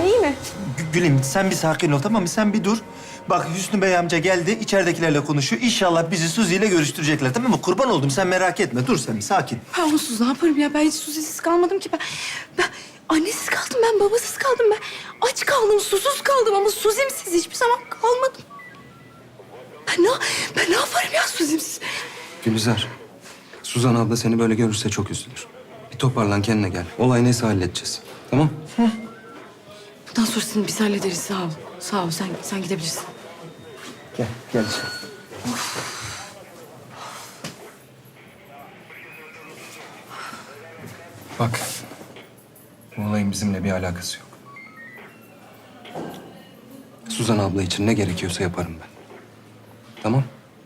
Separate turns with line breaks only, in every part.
iyi mi?
Gülüm sen bir sakin ol tamam mı? Sen bir dur. Bak Hüsnü Bey amca geldi, içeridekilerle konuşuyor. İnşallah bizi Suzi ile görüştürecekler tamam mı? Kurban oldum sen merak etme. Dur sen bir sakin.
Ben onsuz ne yaparım ya? Ben hiç Suzi'siz kalmadım ki. Ben annesiz kaldım, ben babasız kaldım. Ben aç kaldım, susuz kaldım ama Suzi'msiz hiçbir zaman kalmadım. Ben ne yaparım ya Suzi'msiz?
Gülizar, Suzan abla seni böyle görürse çok üzülür. Bir toparlan kendine gel. Olay neyse halledeceğiz. Tamam?
Bundan sonrasını biz hallederiz. Sağ ol. Sağ ol. Sen gidebilirsin.
Gel.
Bak, bu olayın bizimle bir alakası yok. Suzan abla için ne gerekiyorsa yaparım ben. Tamam?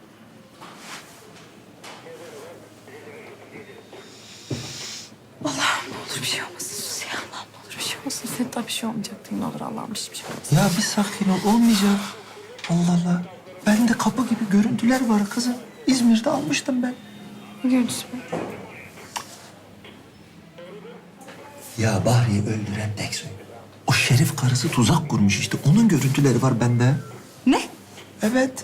Allah'ım ne olur bir şey olmasın Suzi. Allah'ım ne olur bir şey olmasın. Senin tabii bir şey olmayacak değil mi? Ne olur Allah'ım hiçbir şey olmasın.
Ya bir sakin ol olmayacak. Allah Allah. Bende kapı gibi görüntüler var kızım. İzmir'de almıştım ben.
Ne görüntüsü bu?
Ya Bahri'yi öldüren tek soy. O Şerif karısı tuzak kurmuş işte. Onun görüntüleri var bende.
Ne?
Evet.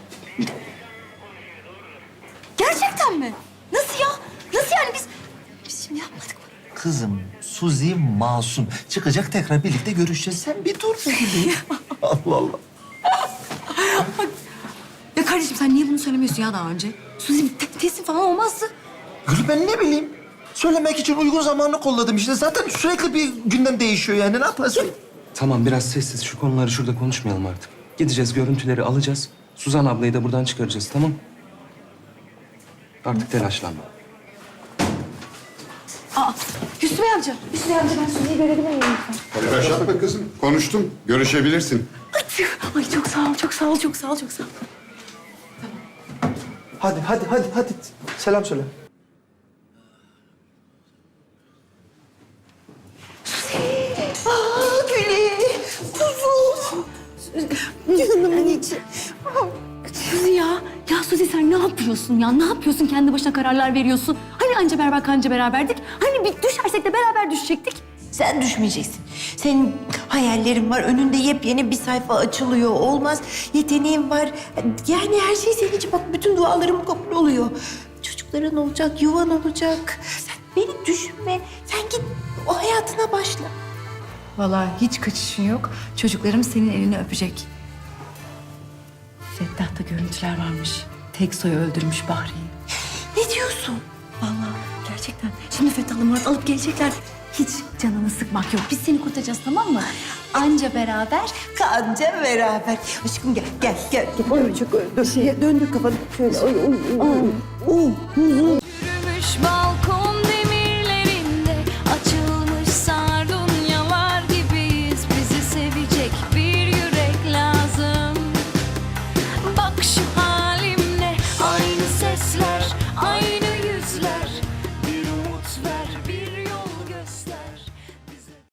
Gerçekten mi? Nasıl ya? Nasıl yani biz şimdi yapmadık mı?
Kızım Suzi masum. Çıkacak tekrar birlikte görüşeceğiz. Sen bir dur be gülüm. Allah Allah.
Ya kardeşim sen niye bunu söylemiyorsun ya daha önce? Suzi teslim falan olmazdı.
Gül ben ne bileyim. Söylemek için uygun zamanını kolladım işte. Zaten sürekli bir gündem değişiyor yani. Ne yaparsın?
Tamam, biraz sessiz. Şu konuları şurada konuşmayalım artık. Gideceğiz, görüntüleri alacağız. Suzan ablayı da buradan çıkaracağız, tamam? Artık telaşlanma.
Aa Hüsnü Bey amca. Hüsnü Bey amca ben Suzi'yi görebilir miyim lütfen?
Telaş yapma kızım. Konuştum. Görüşebilirsin.
Ay çok sağ ol, çok sağ ol, çok sağ ol, çok sağ ol.
Hadi. Selam söyle.
Aa Gülü, kuzum. Canımın içi. Suzi ya. Ya Suzi sen ne yapıyorsun ya? Ne yapıyorsun? Kendi başına kararlar veriyorsun. Hani anca beraber kanca beraberdik? Hani bir düşersek de beraber düşecektik?
Sen düşmeyeceksin. Senin hayallerin var. Önünde yepyeni bir sayfa açılıyor. Olmaz. Yeteneğin var. Yani her şey senin için. Bak bütün dualarım kabul oluyor. Çocukların olacak, yuvan olacak. Sen beni düşünme. Sen git o hayatına başla.
Vallahi hiç kaçışın yok. Çocuklarım senin elini öpecek. Fettah'ta görüntüler varmış. Teksoy öldürmüş Bahri'yi.
Ne diyorsun?
Vallahi gerçekten. Şimdi Fettah'la Murat alıp gelecekler. Hiç canını sıkmak yok. Biz seni kurtaracağız tamam mı? Anca beraber.
Kanca beraber. Aşkım gel. Oy çok dur. Döndür kafanı. Şöyle. Oy.